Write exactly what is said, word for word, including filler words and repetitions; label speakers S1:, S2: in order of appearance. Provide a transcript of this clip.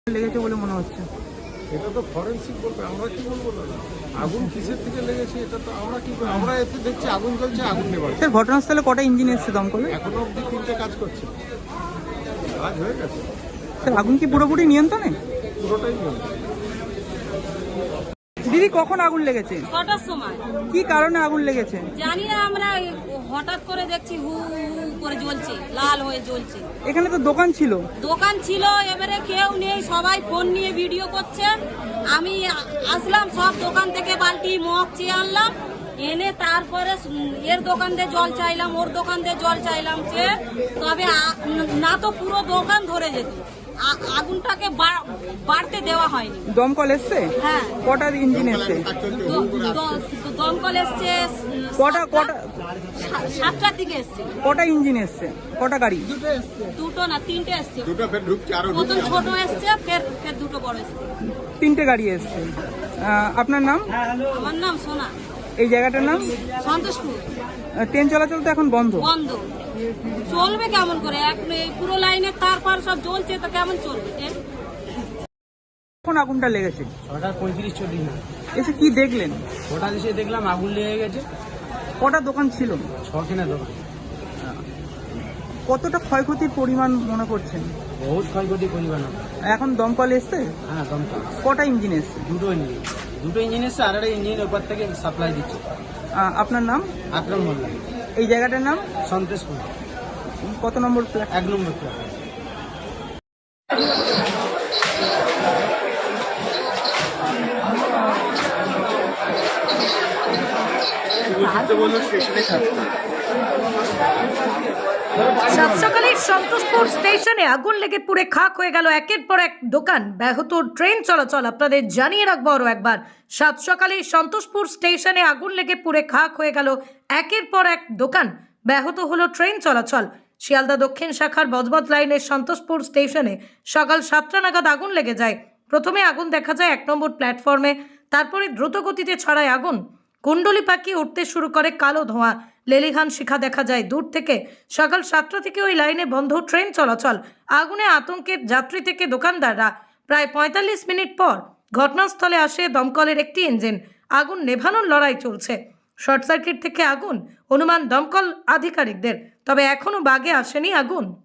S1: লেগেছে বলে মনে হচ্ছে।
S2: এটা তো ফরেনসিক বলবে, আমরা কি বলবো না। আগুন কিসের থেকে লেগেছে এটা তো আমরা কি করবো? আমরা এতে দেখছি আগুন জ্বলছে, আগুন নেবার।
S1: স্যার ঘটনাস্থলে কটা ইঞ্জিন এসছে দমকলে?
S2: এখনো অব্দি তিনটে কাজ করছে, কাজ হয়ে গেছে।
S1: স্যার আগুন কি পুরোপুরি নিয়ন্ত্রণে?
S2: পুরোটাই নিয়ন্ত্রণ।
S1: দিদি কখন আগুন লেগেছে?
S3: ছটার সময়।
S1: কি কারণে আগুন লেগেছে?
S3: জানি না, আমরা হঠাৎ করে দেখছি হু হু করে জ্বলছে, লাল হয়ে জ্বলছে।
S1: এখানে তো দোকান ছিল।
S3: দোকান ছিল, এবারে কেউ নেই, সবাই ফোন নিয়ে ভিডিও করছে। আমি আসলাম, সব দোকান থেকে বালতি মগ চেয়ে আনলাম, এনে তারপরে এর দোকান দিয়ে জল চাইলাম, ওর দোকান দিয়ে জল চাইলাম, যে তবে না তো পুরো দোকান ধরে যেত। আগুনটাকে বাড়তে দেওয়া হয়নি।
S1: দমকল এসছে?
S3: হ্যাঁ।
S1: কটা ইঞ্জিন এসছে?
S3: দমকল এসছে
S1: কটা কটা
S3: সাতটার দিকে এসছে।
S1: কটা ইঞ্জিন এসছে? কটা গাড়ি?
S3: দুটো না তিনটে এসছে।
S2: দুটো ফের ঢুকছে, আরো
S3: প্রথম ছোট এসছে, ফের ফের দুটো বড় এসছে।
S1: তিনটে গাড়ি এসছে। আহ, আপনার নাম?
S3: আমার নাম সোনা।
S1: এই জায়গাটার নাম?
S3: সন্তোষপুর।
S1: আহ, ট্রেন চলাচল তো এখন বন্ধ।
S3: বন্ধ চলবে কেমন করে? এক পুরো লাইনে তারপর সব জ্বলছে, তো কেমন চলবে ট্রেন?
S1: কখন আগুনটা লেগেছে?
S4: ছটা পঁয়ত্রিশ চল্লিশ না
S1: এসে কি দেখলেন?
S4: হঠাৎ এসে দেখলাম আগুন লেগে গেছে।
S1: কটা দোকান ছিল?
S4: ছখানে দোকান।
S1: কতটা ক্ষয়ক্ষতির পরিমাণ মনে করছেন?
S4: বহুত ক্ষয়ক্ষতি পরিমাণ হবে।
S1: এখন দমকল এসছে?
S4: হ্যাঁ দমকল
S1: কটা ইঞ্জিন এসছে?
S4: দুটো ইঞ্জিন দুটো ইঞ্জিন এসছে, আর একটা ইঞ্জিন ওপর থেকে সাপ্লাই দিচ্ছে।
S1: আহ, আপনার নাম?
S4: আকরাম মোল্লা।
S1: এই জায়গাটার নাম?
S4: সন্তোষপুর,
S1: কত নম্বর ফ্ল্যাট?
S4: এক নম্বর ফ্ল্যাট।
S5: সাত সকালে সন্তোষপুর স্টেশনে আগুন লেগে পুড়ে খাক হয়ে গেল একের পর এক দোকান, ব্যাহত ট্রেন চলাচল। আপনাদের জানিয়ে রাখবো আরও একবার, সাত সকালে সন্তোষপুর স্টেশনে আগুন লেগে পুড়ে খাক হয়ে গেল একের পর এক দোকান, ব্যাহত হলো ট্রেন চলাচল। শিয়ালদা দক্ষিণ শাখার বজবজ লাইনের সন্তোষপুর স্টেশনে সকাল সাতটা নাগাদ আগুন লেগে যায়। প্রথমে আগুন দেখা যায় এক নম্বর প্ল্যাটফর্মে, তারপরে দ্রুত গতিতে ছড়ায় আগুন। কুণ্ডলি পাখি উঠতে শুরু করে কালো ধোঁয়া, লেলিহান শিখা দেখা যায় দূর থেকে। সকাল সাতটা থেকে ওই লাইনে বন্ধ ট্রেন চলাচল। আগুনে আতঙ্কের যাত্রী থেকে দোকানদাররা। প্রায় পঁয়তাল্লিশ মিনিট পর ঘটনাস্থলে আসে দমকলের একটি ইঞ্জিন। আগুন নেভানোর লড়াই চলছে। শর্ট সার্কিট থেকে আগুন অনুমান দমকল আধিকারিকদের, তবে এখনও বাগে আসেনি আগুন।